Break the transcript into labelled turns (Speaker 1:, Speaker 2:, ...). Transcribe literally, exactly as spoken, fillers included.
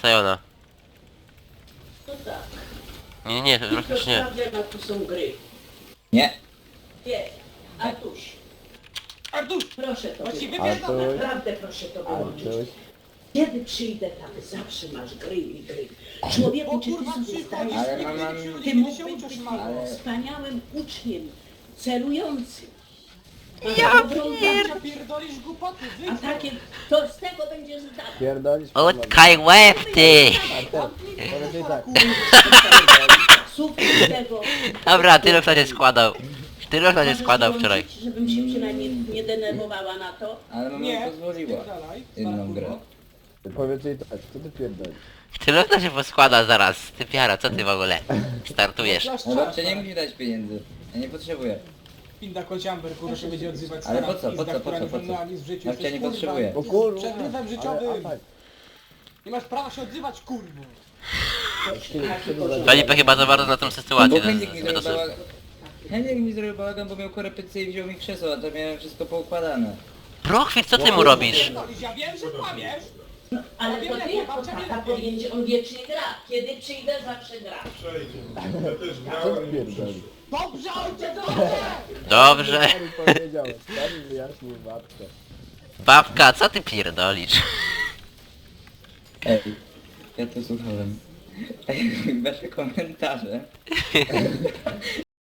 Speaker 1: Sajona.
Speaker 2: No tak.
Speaker 1: Nie, nie, to
Speaker 2: Tylko
Speaker 1: praktycznie nie.
Speaker 2: sprawdzę, na to są gry.
Speaker 3: Nie.
Speaker 2: Nie. Artuś,
Speaker 4: Artuś!
Speaker 2: proszę to
Speaker 4: Właściwie
Speaker 2: wyłączyć.
Speaker 4: wiadomo.
Speaker 2: Naprawdę proszę to wyłączyć.
Speaker 5: Artuś.
Speaker 2: Kiedy przyjdę tam, zawsze masz gry i gry. Człowieku,
Speaker 4: O
Speaker 2: czy ty
Speaker 4: kurwa,
Speaker 2: sobie
Speaker 4: przychodzisz,
Speaker 2: zdajesz
Speaker 3: Ale
Speaker 4: nigdy
Speaker 3: mam-
Speaker 4: nie przychodzisz,
Speaker 2: Ty
Speaker 4: nigdy się
Speaker 2: mógłbyś
Speaker 4: uczysz,
Speaker 2: być
Speaker 4: mamo.
Speaker 2: wspaniałym uczniem, celującym.
Speaker 1: Ja
Speaker 2: dobrą
Speaker 4: Kurwa, pierdolisz głupoty,
Speaker 2: A
Speaker 4: wyjdź.
Speaker 2: takie, to z tego będziesz zdawał.
Speaker 5: Pierdolisz
Speaker 1: Utkaj łeb, ty!
Speaker 5: Artem, powiedz jej tak.
Speaker 2: Sufit z tego.
Speaker 1: Dobra, tyle kto nie składał. Tyle kto nie
Speaker 2: Możesz
Speaker 1: składał
Speaker 2: włączyć,
Speaker 1: wczoraj.
Speaker 2: żebym się przynajmniej nie denerwowała na to.
Speaker 3: Ale mama mi
Speaker 4: Nie,
Speaker 3: pozwoliła.
Speaker 4: spierdalaj,
Speaker 3: Jedną
Speaker 4: stara
Speaker 3: grę.
Speaker 4: kurwo.
Speaker 5: Powiedz jej tak, co ty pierdolisz?
Speaker 1: Tyle kto się poskłada zaraz. Ty piara, co ty w ogóle? Startujesz.
Speaker 4: Masz
Speaker 3: No
Speaker 4: czas,
Speaker 3: babcia nie
Speaker 4: tak.
Speaker 3: musi dać pieniędzy. Ja nie potrzebuję.
Speaker 4: Pinda kociamber, kurwa, się będzie odzywać
Speaker 3: Ale
Speaker 4: stara
Speaker 3: po co, po
Speaker 4: pizda,
Speaker 3: co, po
Speaker 4: która
Speaker 3: co,
Speaker 4: nie
Speaker 3: po co?
Speaker 4: wyglądała nic w życiu.
Speaker 3: Babcia
Speaker 4: Jesteś,
Speaker 3: nie
Speaker 4: kurwa,
Speaker 3: potrzebuje.
Speaker 5: O kurwa!
Speaker 4: Przedmiotem
Speaker 5: ale-
Speaker 4: życiowym.
Speaker 5: a tak.
Speaker 4: Nie masz prawa się odzywać, kurwo.
Speaker 1: Felipe chyba za bardzo na tą
Speaker 3: Bo
Speaker 1: sytuację
Speaker 3: Henryk mi
Speaker 1: zbyt
Speaker 3: zrobił
Speaker 1: osób.
Speaker 3: bałagan. Henryk mi zrobił bałagan, bo miał korepetycję i wziął mi krzesło, a to miałem wszystko poukładane.
Speaker 1: Brochwit, co ty mu robisz?
Speaker 4: Pierdolisz, ja wiem, że kłamiesz.
Speaker 2: Ale
Speaker 4: Ja
Speaker 2: to
Speaker 4: wiem,
Speaker 2: ty
Speaker 4: jak
Speaker 2: jako
Speaker 4: babcia
Speaker 2: tata
Speaker 4: wie.
Speaker 2: powinien, on wiecznie gra. Kiedy przyjdę, zawsze gra.
Speaker 5: Co ty pierdolisz?
Speaker 4: Dobrze, ojcze, dobrze!
Speaker 1: Dobrze.
Speaker 5: Stary powiedział, stary wyjaśnił babkę.
Speaker 1: Babka, co ty pierdolisz?
Speaker 3: Ej, ja to słuchałem. Ej, wasze komentarze.